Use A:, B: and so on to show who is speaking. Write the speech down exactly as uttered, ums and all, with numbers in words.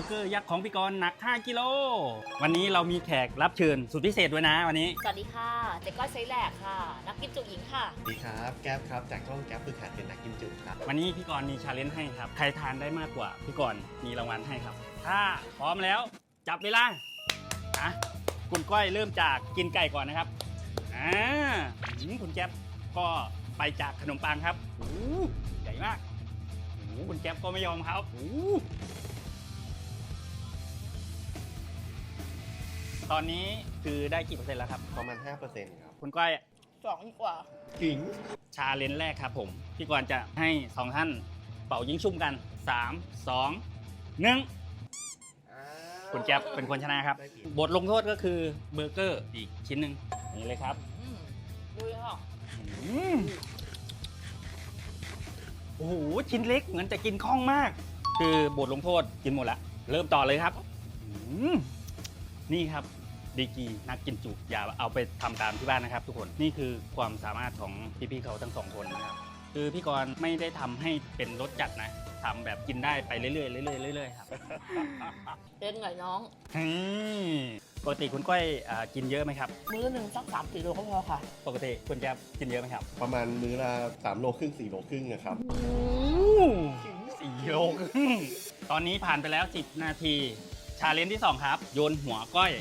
A: เกอร์ยักษ์ของพี่กรณ์หนักห้ากิโลวันนี้เรามีแขกรับเชิญสุดพิเศษด้วยนะวันนี้
B: สวัสดีค่ะเจ๊ก้อยไซแหลกค่ะนักกินจุหญิงค่ะ
C: สวัสดีครับแก๊ปครับจากช่องแก๊ปฝึกหัดเป็นนักกินจุครับ
A: วันนี้พี่กรณ์มีชาเลนจ์ให้ครับใครทานได้มากกว่าพี่กรณ์มีรางวัลให้ครับถ้าพร้อมแล้วจับเวลาอ่ะคุณก้อยเริ่มจากกินไก่ก่อนนะครับอ่าคุณแก๊ปก็ไปจากขนมปังครับโอ้ใหญ่มากโอ้คุณแก๊ปก็ไม่ยอมครับโอ้ตอนนี้คือได้กี่เปอร์เซ็นต์แล้วครับ
C: ประมาณ ห้าเปอร์เซ็นต์ ครับ
A: คุณก้อย
B: สองกว่า
C: ขิง
A: ชาเลนจ์แรกครับผมพี่กรณ์จะให้สองท่านเป่ายิงชุ่มกันสาม สอง หนึ่งคุณแก๊ปเป็นคนชนะครับบทลงโทษก็คือเบอร์เกอร์อีกชิ้นหนึ่งนี่เลยครับ
B: ดูค่ะ
A: โอ้โหชิ้นเล็กเหมือนจะกินคล่องมาก คือบทลงโทษกินหมดละเริ่มต่อเลยครับนี่ครับดีกีนักกินจุอย่าเอาไปทำตามที่บ้านนะครับทุกคนนี่คือความสามารถของพี่ๆเขาทั้งสองคนนะครับคือพี่กรณ์ไม่ได้ทำให้เป็นรสจัดนะทำแบบกินได้ไปเรื่อยๆเรื่อยๆเรื่อยๆครับ
B: เล่นหน่อยน้อง
A: ปกติคุณก้อยกินเยอะไหมครับ
B: มื้อหนึ่งสักสามสี่โลก็พอค่ะ
A: ปกติคุณแก๊ปกินเยอะไหมครับ
C: ประมาณมื้อละสามโลครึ่งสี่โลครึ่งนะครับ
A: สี่โลครึ่งตอนนี้ผ่านไปแล้วสิบนาทีชาเลนจ์ที่สองครับโยนหัวก้อย